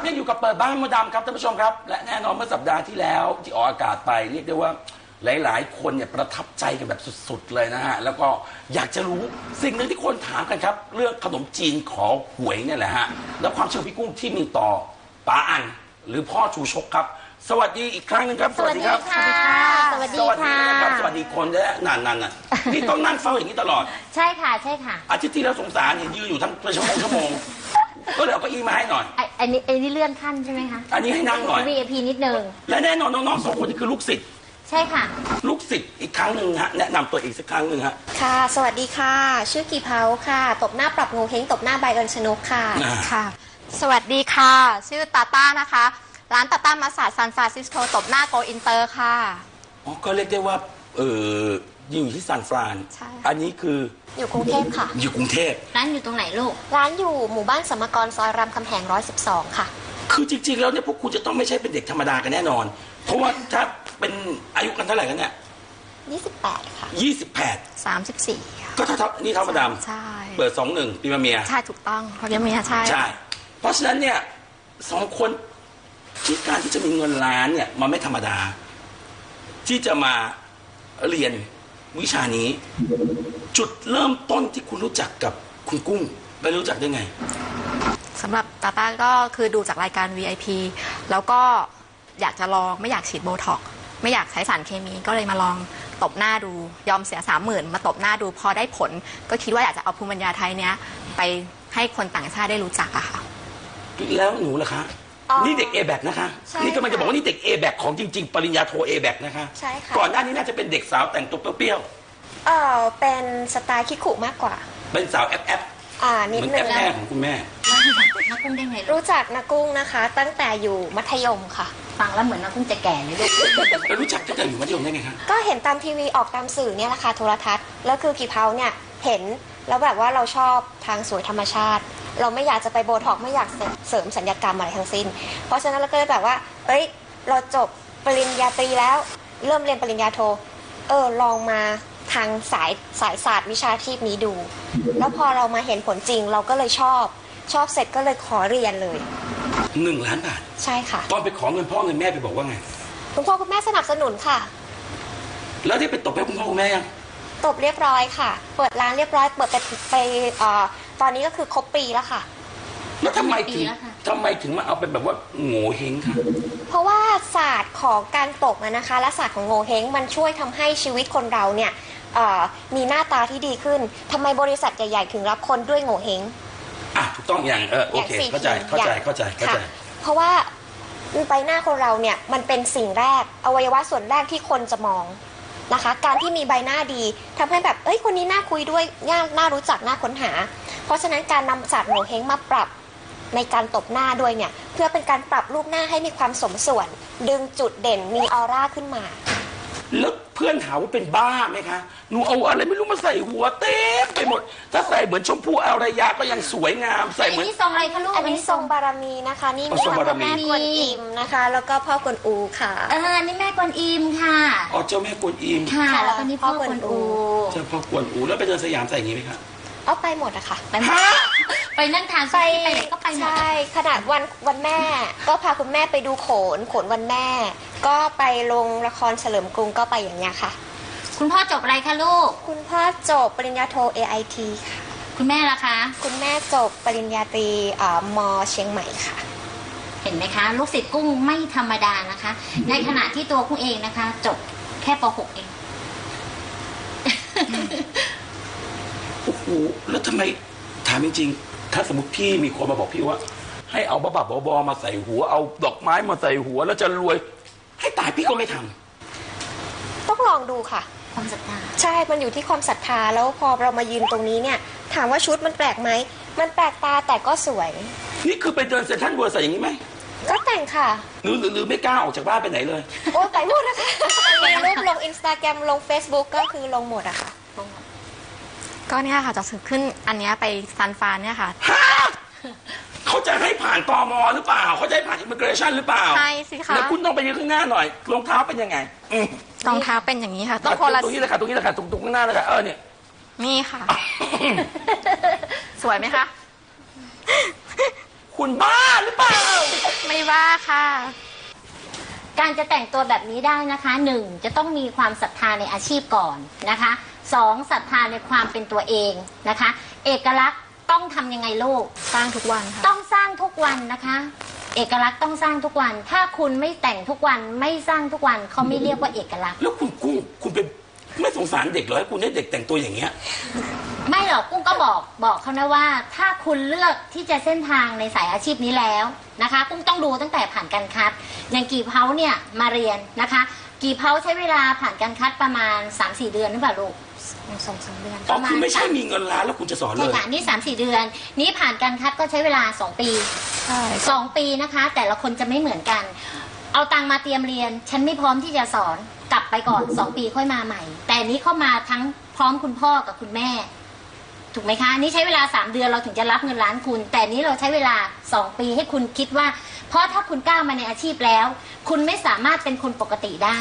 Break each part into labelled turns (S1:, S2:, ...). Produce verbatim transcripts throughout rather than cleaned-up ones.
S1: ยังอยู่กับเปิดบ้านมดดำครับท่านผู้ชมครับและแน่นอนเมื่อสัปดาห์ที่แล้วที่ออกอากาศไปเรียกได้ว่าหลายๆคนเนี่ยประทับใจกันแบบสุดๆเลยนะฮะแล้วก็อยากจะรู้สิ่งหนึ่งที่คนถามกันครับเรื่องขนมจีนขอหวยเนี่ยแหละฮะแล้วความเชื่อพี่กุ้งที่มีต่อป๋าอันหรือพ่อชูชกครับสวัสดีอีกครั้งหนึงครับ
S2: สวัสดีค่ะ
S1: สวัสดีนะครับสวัสดีคนและนั่นนั่นน่ะนี่ต้องนั่งเฝ้าอย่างนี้ตลอด
S2: ใช่ค่ะใช่ค่ะ
S1: อาทิตย์ที่แล้วสงสารเห็นยืนอยู่ทั้งชั่วโมงชั่วโมงก็เลยเอาเก้าอี้มาให้หน่อย
S2: อันนี้อันนี้เลื่อนขั้นใช่ไหมคะ
S1: อันนี้ให้นั่งหน่อย
S2: วี ไอ พี นิดนึง
S1: และแน่นอนน้องๆสองคนนี้คือลูกศิษย์
S2: ใช่ค่ะ
S1: ลูกศิษย์อีกครั้งหนึ่งฮะแนะนำตัวอีกสักครั้งหนึ่งฮะ
S3: ค่ะสวัสดีค่ะชื่อกีเพาค่ะตบหน้าปรับงูเฮงตบหน้าใบเอิญชนกค่ะ
S4: ค่ะสวัสดีค่ะชื่อตาต้านะคะร้านตาต้ามาสาดซานฟรานซิสโกตบหน้าโกอินเตอร์ค่ะ
S1: อ๋อก็เรียกได้ว่าเอออยู่ที่ซานฟราน
S4: ใช่
S1: อันนี้คือ
S3: อยู่กรุงเทพค่ะ
S1: อยู่กรุงเทพ
S2: ร้านอยู่ตรงไหนลูก
S3: ร้านอยู่หมู่บ้านสมกรซอยรามคำแหงร้อยสิบสองค่ะ
S1: คือจริงๆแล้วเนี่ยพวกคุณจะต้องไม่ใช่เป็นเด็กธรรมดากันแน่นอนเพราะว่าถ้าเป็นอายุกันเท่าไหร่กันเนี่ย
S3: ยี่สิบแปดค่ะ
S1: ยี่สิบแปด
S4: สามสิบสี่
S1: ก็เท่านี่เท่ามาดาม
S4: ใช่
S1: เปิดสองหนึ่งปีมาเมีย
S4: ใช่ถูกต้องเพราะยังเมียใช่
S1: ใช่เพราะฉะนั้นเนี่ยสองคนที่การที่จะมีเงินล้านเนี่ยมันไม่ธรรมดาที่จะมาเรียนวิชานี้จุดเริ่มต้นที่คุณรู้จักกับคุณกุ้งไปรู้จักได้ไง
S4: สำหรับตาต้าก็คือดูจากรายการ วี ไอ พี แล้วก็อยากจะลองไม่อยากฉีดโบท็อกซ์ไม่อยากใช้สารเคมีก็เลยมาลองตบหน้าดูยอมเสียสามหมื่นมาตบหน้าดูพอได้ผลก็คิดว่าอยากจะเอาภูมิปัญญาไทยเนี้ยไปให้คนต่างชาติได้รู้จักอะค่ะ
S1: แล้วหนูล่ะคะนี่เด็ก เอ แบค นะคะนี่กำลังจะบอกว่านี่เด็ก เอ แบค ของจริงๆปริญญาโท เอ แบค นะคะ
S3: ใช่ค่ะ
S1: ก่อนหน้านี้น่าจะเป็นเด็กสาวแต่งตัวเปรี้ยว
S3: เออเป็นสไตล์คิคุมากกว่า
S1: เป็นสาวแอปแอป
S3: อ่านิดนึง
S1: แอปแม่ของคุณแม่
S2: นักกุ้งได้ไง
S3: รู้จักนักกุ้งนะคะตั้งแต่อยู่มัธยมค่ะ
S2: ฟังแล้วเหมือนนักกุ้งจะแก่เลยลูก
S1: แล้วรู้จักตั้งแต่อยู่มัธยมได้ไงคะ
S3: ก็เห็นตามทีวีออกตามสื่อเนี่ยแหละค่ะโทรทัศน์แล้วคือกีเพาเนี่ยเห็นแล้วแบบว่าเราชอบทางสวยธรรมชาติเราไม่อยากจะไปโบท็อกไม่อยากเสริมสัญญกรรมอะไรทั้งสิ้นเพราะฉะนั้นเราก็เลยแบบว่าเอ้ยเราจบปริญญาตรีแล้วเริ่มเรียนปริญญาโทเออลองมาทางสายสายศาสตร์วิชาชีพนี้ดูแล้วพอเรามาเห็นผลจริงเราก็เลยชอบชอบเสร็จก็เลยขอเรียนเลย
S1: หนึ่งล้านบาท
S3: ใช่ค่ะ
S1: ตอนไปขอเงินพ่อเงินแม่ไปบอกว่าไง
S3: คุณพ่อคุณแม่สนับสนุนค่ะ
S1: แล้วที่ไปตบให้คุณพ่อคุณแม่ยัง
S3: ตบเรียบร้อยค่ะเปิดร้านเรียบร้อยเปิดไปไปเอ่อตอนนี้ก็คือครบปีแล้วค่ะ
S1: แล้วทำไมถึงทำไมถึงมาเอาเป็นแบบว่าโง่เฮงค่ะ
S3: เพราะว่าศาสตร์ของการตบนะคะและศาสตร์ของโง่เฮงมันช่วยทำให้ชีวิตคนเราเนี่ยมีหน้าตาที่ดีขึ้นทำไมบริษัทใหญ่ๆถึงรับคนด้วยโง่เฮง
S1: อ่ะถูกต้องอย่างเออโอเคเข้าใจเข้าใจเข้าใจเข้าใจ
S3: เพราะว่าใบหน้าคนเราเนี่ยมันเป็นสิ่งแรกอวัยวะส่วนแรกที่คนจะมองนะคะการที่มีใบหน้าดีทำให้แบบเอ้ยคนนี้น่าคุยด้วยน่าน่ารู้จักน่าค้นหาเพราะฉะนั้นการนำศาสตร์โง่เฮงมาปรับในการตบหน้าด้วยเนี่ยเพื่อเป็นการปรับรูปหน้าให้มีความสมส่วนดึงจุดเด่นมีออร่าขึ้นมา
S1: แล้วเพื่อนหาว่าเป็นบ้าไหมคะหนูเอาอะไรไม่รู้มาใส่หัวเต็มไปหมดถ้าใส่เหมือนชมพู่อารยาก็ยังสวยงามใส่เหมือน
S2: นี่ทรงอะไรคะลูก
S3: อันนี้ทรงบารมีนะคะนี่แม่กวนอิมนะคะแล้วก็พ่อกวนอูค่ะ
S2: เออนี่แม่กวนอิมค่ะ
S1: อ๋อเจ้าแม่กวนอิม
S2: ค่ะแล้วก็นี่พ่อกวนอู
S1: เจ้าพ่อกวนอูแล้วไปเดินสยามใส่อย่างนี้ไหมคะ
S3: เอาไปหมดอะค่ะ
S2: ไปหมดไปนั่งทานไปก็ไปหมด
S3: ใช่ขนาดวันวันแม่ก็พาคุณแม่ไปดูโขนโขนวันแม่ก็ไปลงละครเฉลิมกรุงก็ไปอย่างเงี้ยค่ะ
S2: คุณพ่อจบอะไรคะลูก
S3: คุณพ่อจบปริญญาโท เอ ไอ ที ค่ะ
S2: คุณแม่ล่ะคะ
S3: คุณแม่จบปริญญาตรีมอเชียงใหม่ค่ะ
S2: เห็นไหมคะลูกศิษย์กุ้งไม่ธรรมดานะคะในขณะที่ตัวกุ้งเองนะคะจบแค่ป หก เอง
S1: โอ้โหแล้วทำไมถามจริงๆถ้าสมมติพี่มีคนมาบอกพี่ว่าให้เอาบ้าๆบอๆมาใส่หัวเอาดอกไม้มาใส่หัวแล้วจะรวยให้ตายพี่ก็ไม่ท
S3: ำต้องลองดูค่ะ
S2: ความศรัทธา
S3: ใช่มันอยู่ที่ความศรัทธาแล้วพอเรามายืนตรงนี้เนี่ยถามว่าชุดมันแปลกไหมมันแปลกตาแต่ก็สวย
S1: นี่คือไปเดินเซ็นทรัลเวิลด์ใส่อย่างนี้ไหม
S3: ก็แต่งค่ะ
S1: หรือหรือไม่กล้าออกจากบ้านไปไหนเลย
S3: โอ้ไปหมดนะคะลงรูปลงอินสตาแกรมลง Facebook ก็คือลงหมดอะค่ะ
S4: ก็เนี่ยค่ะจะขึ้นอันนี้ไปซันฟานเนี่ยค่ะ
S1: เขาจะให้ผ่านตม.หรือเปล่าเขาจะให้ผ่านอิมิเกรชั่นหรือเปล่า
S4: ใช่สิคะ
S1: แล้วคุณต้องไปยืนข้างหน้าหน่อยรองเท้าเป็นยังไง
S4: รองเท้าเป็นอย่างนี้ค่ะต้องคนละ
S1: ตรงนี้เลยค่ะตรงนี้เลยค่ะตรงตรงข้างหน้าเลยค่ะเออเนี่ย
S4: นี่ค่ะสวยไหมคะ
S1: คุณบ้าหรือเปล่า
S4: บ้าค่ะ
S2: การจะแต่งตัวแบบนี้ได้นะคะหนึ่งจะต้องมีความศรัทธาในอาชีพก่อนนะคะสองศรัทธาในความเป็นตัวเองนะคะ เอกลักษณ์ต้องทำยังไงลูก
S4: สร้างทุกวันค่ะ
S2: ต้องสร้างทุกวันนะคะ เอกลักษณ์ต้องสร้างทุกวัน ถ้าคุณไม่แต่งทุกวันไม่สร้างทุกวันเขาไม่เรียกว่าเอกลักษณ์
S1: แล้วคุณกุ้งคุณเป็นไม่สงสารเด็กเหรอให้คุณให้เด็กแต่งตัวอย่างเงี้ย
S2: ไม่หรอกกุ้งก็บอกบอกเขานะว่าถ้าคุณเลือกที่จะเส้นทางในสายอาชีพนี้แล้วนะคะกุ้งต้องดูตั้งแต่ผ่านการคัดอย่างกี่เพาเนี่ยมาเรียนนะคะ กี่เพาใช้เวลาผ่านการคัดประมาณ สามสี่ เดือนหรือเปล่าลูกสองสามเดือน
S1: อ๋อคือไม่ใช่มีเงินล้านแล้วคุณจะสอนเล
S2: ใช่
S1: ย
S2: ค่ะนี่ สามสี่ เดือน นี้ผ่านการคัดก็ใช้เวลาสองปี
S4: ใช่
S2: สองปีนะคะ แต่ละคนจะไม่เหมือนกัน เอาตังค์มาเตรียมเรียน ฉันไม่พร้อมที่จะสอนกลับไปก่อนสองปีค่อยมาใหม่ แต่นี้เข้ามาทั้งพร้อมคุณพ่อกับคุณแม่ ถูกไหมคะ นี่ใช้เวลาสามเดือนเราถึงจะรับเงินล้านคุณ แต่นี้เราใช้เวลาสองปีให้คุณคิดว่า เพราะถ้าคุณก้าวมาในอาชีพแล้ว คุณไม่สามารถเป็นคนปกติได้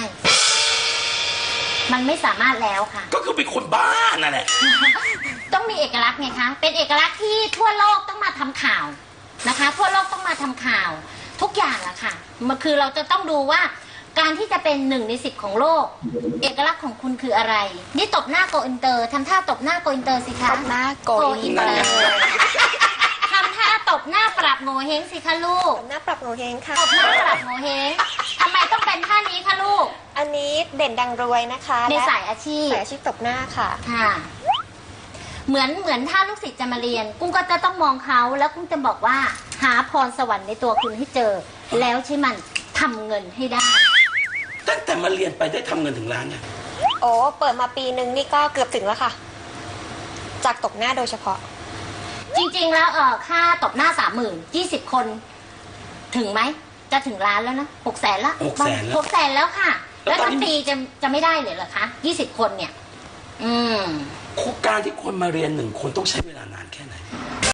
S2: มันไม่สามารถแล้วค่ะ
S1: ก็คือเป็นคนบ้านั่นแหละ
S2: ต้องมีเอกลักษณ์ไงคะ เป็นเอกลักษณ์ที่ทั่วโลกต้องมาทำข่าวนะคะ ทั่วโลกต้องมาทำข่าว ทุกอย่างอะค่ะ มันคือเราจะต้องดูว่าการที่จะเป็นหนึ่งในสิบของโลก เอกลักษณ์ของคุณคืออะไร นี่ตบหน้าโกอินเตอร์ทำท่าตบหน้าโกอินเตอร์สิคะ
S4: ตบหน้าโกอินเตอ
S1: นั่น
S4: ร์
S1: ไง
S2: ทำท่าตบหน้าปรับโงเฮงสิคะลูก
S3: หน้าปรับโงเฮงค่ะ
S2: ตบหน้าปรับโงเฮงทำไมต้องเป็นท่านี้คะลูก
S3: อันนี้เด่นดังรวยนะคะ
S2: ใน
S3: และ
S2: สายอาชีพ
S3: สายอาชีพตบหน้าค่ะ
S2: ค่ะ เหมือนเหมือนถ้าลูกศิษย์จะมาเรียน กุ้งก็จะต้องมองเขาแล้วกุ้งจะบอกว่า หาพรสวรรค์ในตัวคุณให้เจอ แล้วใช้มันทำเงินให้ได้
S1: ตั้งแต่มาเรียนไปได้ทำเงินถึงล้านเนี่ย
S3: โอ้เปิดมาปีนึงนี่ก็เกือบถึงแล้วค่ะ จากตบหน้าโดยเฉพาะ
S2: จริงๆแล้วเออค่าตบหน้าสามหมื่นยี่สิบคน ถึงไหม จะถึงล้านแล้วนะหกแสนละ
S1: หกแสนแล้ว
S2: หกแสนแล้วค่ะ
S1: แล้
S2: แล้ว ว
S1: ตอน
S2: ทั้ง
S1: นี้
S2: ปีจะจะไม่ได้เลยเหรอคะยี่สิบคนเนี่ย อืม
S1: การที่คนมาเรียนหนึ่งคนต้องใช้เวลานานแค่ไหน